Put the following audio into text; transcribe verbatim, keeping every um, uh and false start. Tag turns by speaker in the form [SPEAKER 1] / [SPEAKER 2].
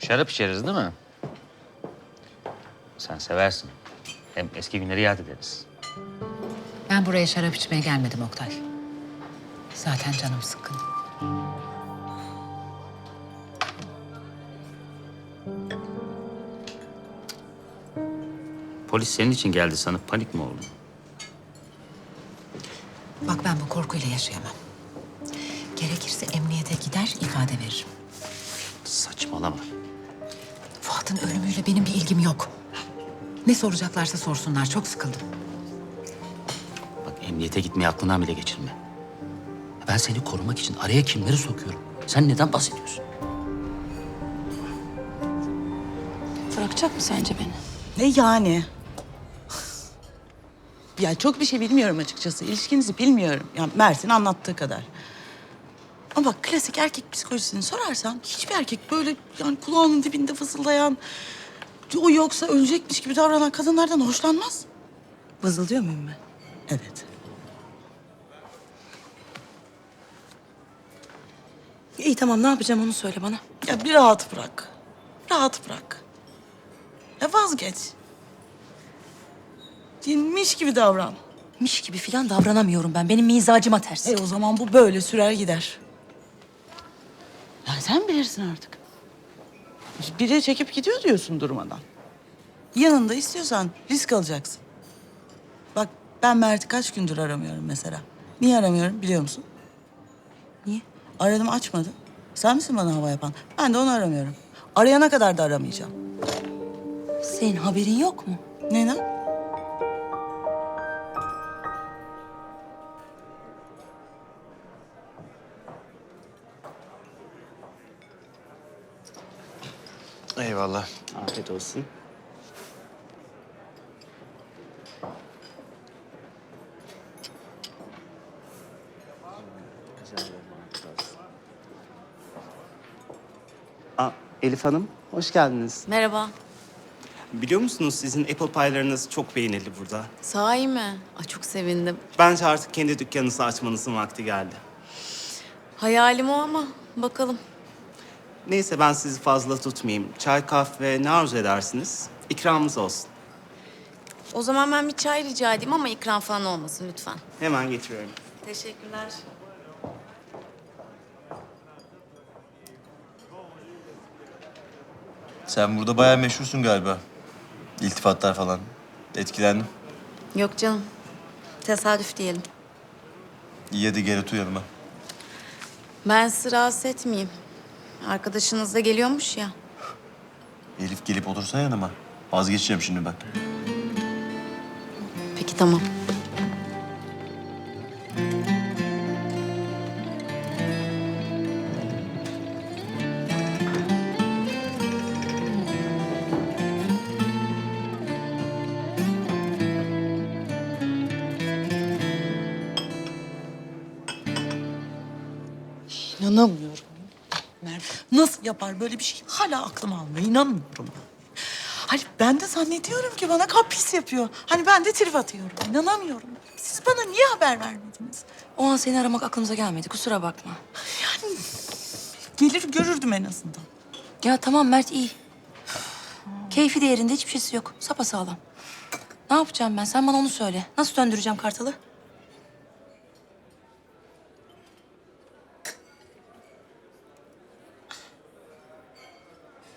[SPEAKER 1] Şarap içeriz değil mi? Sen seversin. Hem eski günleri yad ederiz.
[SPEAKER 2] Ben buraya şarap içmeye gelmedim Oktay. Zaten canım sıkkın.
[SPEAKER 1] Polis senin için geldi sanıp panik mi oldun?
[SPEAKER 2] Bak ben bu korkuyla yaşayamam. Gerekirse emniyete gider ifade veririm.
[SPEAKER 1] Saçmalama.
[SPEAKER 2] Fuat'ın ölümüyle benim bir ilgim yok. Ne soracaklarsa sorsunlar. Çok sıkıldım.
[SPEAKER 1] Bak emniyete gitmeyi aklından bile geçirme. Ben seni korumak için araya kimleri sokuyorum? Sen neden bahsediyorsun?
[SPEAKER 3] Bırakacak mı sence beni?
[SPEAKER 4] Ne yani? Ya çok bir şey bilmiyorum açıkçası. İlişkinizi bilmiyorum. Ya Mert'in anlattığı kadar. Ama bak klasik erkek psikolojisini sorarsan hiçbir erkek böyle yani kulağının dibinde fısıldayan, o yoksa ölecekmiş gibi davranan kadınlardan hoşlanmaz.
[SPEAKER 3] Vızıldıyor muyum ben?
[SPEAKER 4] Evet.
[SPEAKER 3] İyi tamam, ne yapacağım onu söyle bana.
[SPEAKER 4] Ya bir rahat bırak. Rahat bırak. Ya vazgeç. Dinmiş gibi davran.
[SPEAKER 3] Miş gibi falan davranamıyorum ben. Benim mizacıma ters.
[SPEAKER 4] E o zaman bu böyle sürer gider. Ya sen bilirsin artık. Biri çekip gidiyor diyorsun durmadan. Yanında istiyorsan risk alacaksın. Bak ben Mert'i kaç gündür aramıyorum mesela. Niye aramıyorum biliyor musun?
[SPEAKER 3] Niye?
[SPEAKER 4] Aradım açmadı. Sen misin bana hava yapan? Ben de onu aramıyorum. Arayana kadar da aramayacağım.
[SPEAKER 3] Senin haberin yok mu?
[SPEAKER 4] Ne lan?
[SPEAKER 5] Eyvallah.
[SPEAKER 1] Afiyet olsun.
[SPEAKER 6] Aa, Elif Hanım, hoş geldiniz.
[SPEAKER 7] Merhaba.
[SPEAKER 6] Biliyor musunuz sizin apple pie'larınız çok beğenildi burada.
[SPEAKER 7] Sahi mi? Ay, çok sevindim.
[SPEAKER 6] Bence artık kendi dükkanınızı açmanızın vakti geldi.
[SPEAKER 7] Hayalim o ama bakalım.
[SPEAKER 6] Neyse ben sizi fazla tutmayayım. Çay, kahve ne arzu edersiniz? İkramımız olsun.
[SPEAKER 7] O zaman ben bir çay rica edeyim ama ikram falan olmasın lütfen.
[SPEAKER 6] Hemen getiriyorum.
[SPEAKER 7] Teşekkürler.
[SPEAKER 5] Sen burada bayağı meşhursun galiba. İltifatlar falan. Etkilendim.
[SPEAKER 7] Yok canım. Tesadüf diyelim.
[SPEAKER 5] İyi hadi gel otur yanıma.
[SPEAKER 7] Ben sizi rahatsız etmeyeyim. Arkadaşınız da geliyormuş ya.
[SPEAKER 5] Elif gelip otursa yanıma. Vazgeçeceğim şimdi ben.
[SPEAKER 7] Peki tamam.
[SPEAKER 4] İnanamıyorum. Mert nasıl yapar böyle bir şey? Hala aklım almıyor. İnanmıyorum. Hani ben de zannediyorum ki bana kapris yapıyor. Hani ben de trip atıyorum. İnanamıyorum. Siz bana niye haber vermediniz?
[SPEAKER 3] O an seni aramak aklımıza gelmedi, kusura bakma.
[SPEAKER 4] Yani gelir görürdüm en azından.
[SPEAKER 3] Ya tamam Mert iyi. Keyfi de yerinde, hiçbir şeysi yok. Sapasağlam. Ne yapacağım ben? Sen bana onu söyle. Nasıl döndüreceğim Kartal'ı?